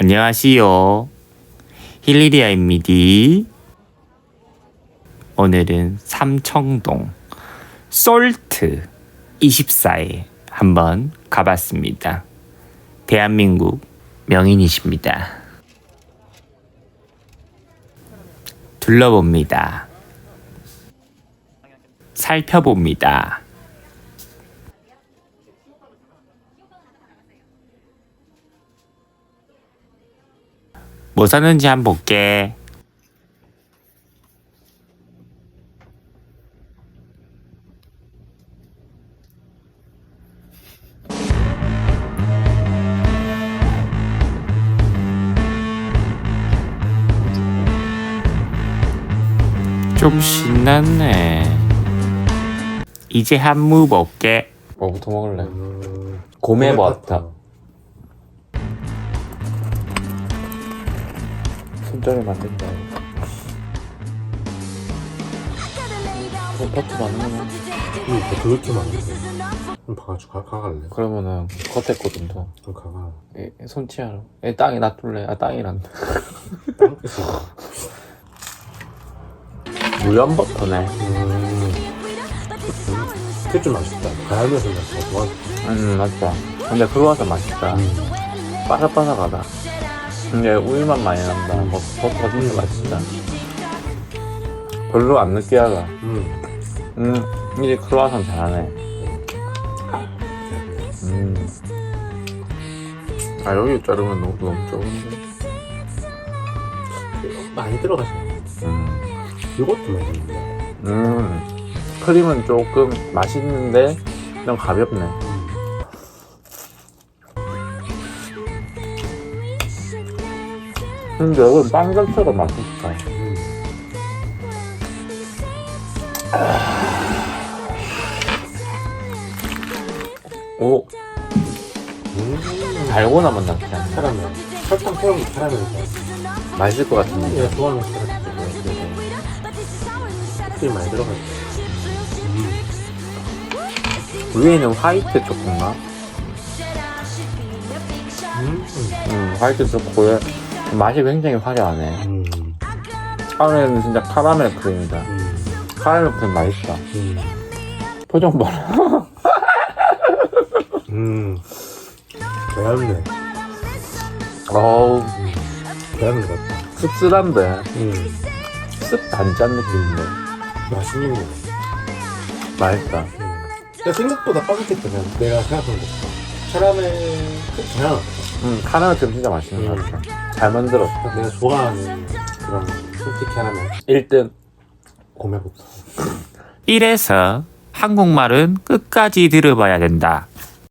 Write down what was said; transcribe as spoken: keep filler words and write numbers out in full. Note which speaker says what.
Speaker 1: 안녕하시요. 힐리리아입니다. 오늘은 삼청동 솔트 이십사에 한번 가봤습니다. 대한민국 명인이십니다. 둘러봅니다. 살펴봅니다. 뭐 샀는지 한번 볼게. 좀 신났네. 이제 한무 볼게. 뭐부터 먹을래?
Speaker 2: 음,
Speaker 1: 고메버터. 손절을 만든다. 어, 버터 많은 거는.
Speaker 2: 응, 버터 이렇게 많은데. 그럼 봐가지고 가, 가갈래?
Speaker 1: 그러면은 겉에 거 좀 더.
Speaker 2: 그럼 가가.
Speaker 1: 에, 손치하러. 에, 땅에 놔둘래. 아, 땅이란다.
Speaker 2: 땅 있어.
Speaker 1: 무염 버터네.
Speaker 2: 음, 그게 좀 맛있다. 가야면서 맛있다. 좋아.
Speaker 1: 음, 맞다. 근데 그거가 맛있다.
Speaker 2: 음.
Speaker 1: 바삭바삭하다. 근데 우유맛 많이 난다. 버- 버터가 진짜
Speaker 2: 음.
Speaker 1: 맛있다. 별로 안 느끼하다.
Speaker 2: 음.
Speaker 1: 음, 이제 크루아상 잘하네. 음. 아, 여기 자르면 너무, 너무 적은데.
Speaker 2: 많이 들어가서.
Speaker 1: 음.
Speaker 2: 이것도 맛있는데.
Speaker 1: 음. 크림은 조금 맛있는데, 좀 가볍네.
Speaker 2: 음.
Speaker 1: 근데 여기 빵 자체가 맛있다.
Speaker 2: 음.
Speaker 1: 오,
Speaker 2: 음.
Speaker 1: 달고나만 남지 않나?
Speaker 2: 카라멜. 설탕 태우면 카라멜이다.
Speaker 1: 맛있을 것 같은데.
Speaker 2: 내가 좋아하는 카라멜. 크림 많이 들어가서. 음.
Speaker 1: 위에는 화이트 초코인가?
Speaker 2: 음.
Speaker 1: 음, 화이트 초코에 맛이 굉장히 화려하네.
Speaker 2: 음.
Speaker 1: 안에는 진짜 카라멜 크림이다.
Speaker 2: 음.
Speaker 1: 카라멜 크림 맛있다.
Speaker 2: 음.
Speaker 1: 표정 봐라.
Speaker 2: 음. 배웠네.
Speaker 1: 어우,
Speaker 2: 배웠는 것 같다.
Speaker 1: 씁쓸한데.
Speaker 2: 음.
Speaker 1: 씁 단짠 느낌인데.
Speaker 2: 맛있는 거.
Speaker 1: 맛있다.
Speaker 2: 음. 야, 생각보다 빠졌겠다. 그냥 내가 생각한 것보다. 카라멜 그냥
Speaker 1: 음, 카라멜 크림 진짜 맛있는
Speaker 2: 음.
Speaker 1: 것 같아. 잘 만들었다.
Speaker 2: 내가 좋아하는 그런 솔티 카라멜
Speaker 1: 일 등.
Speaker 2: 고메부터.
Speaker 1: 이래서 한국말은 끝까지 들어봐야 된다.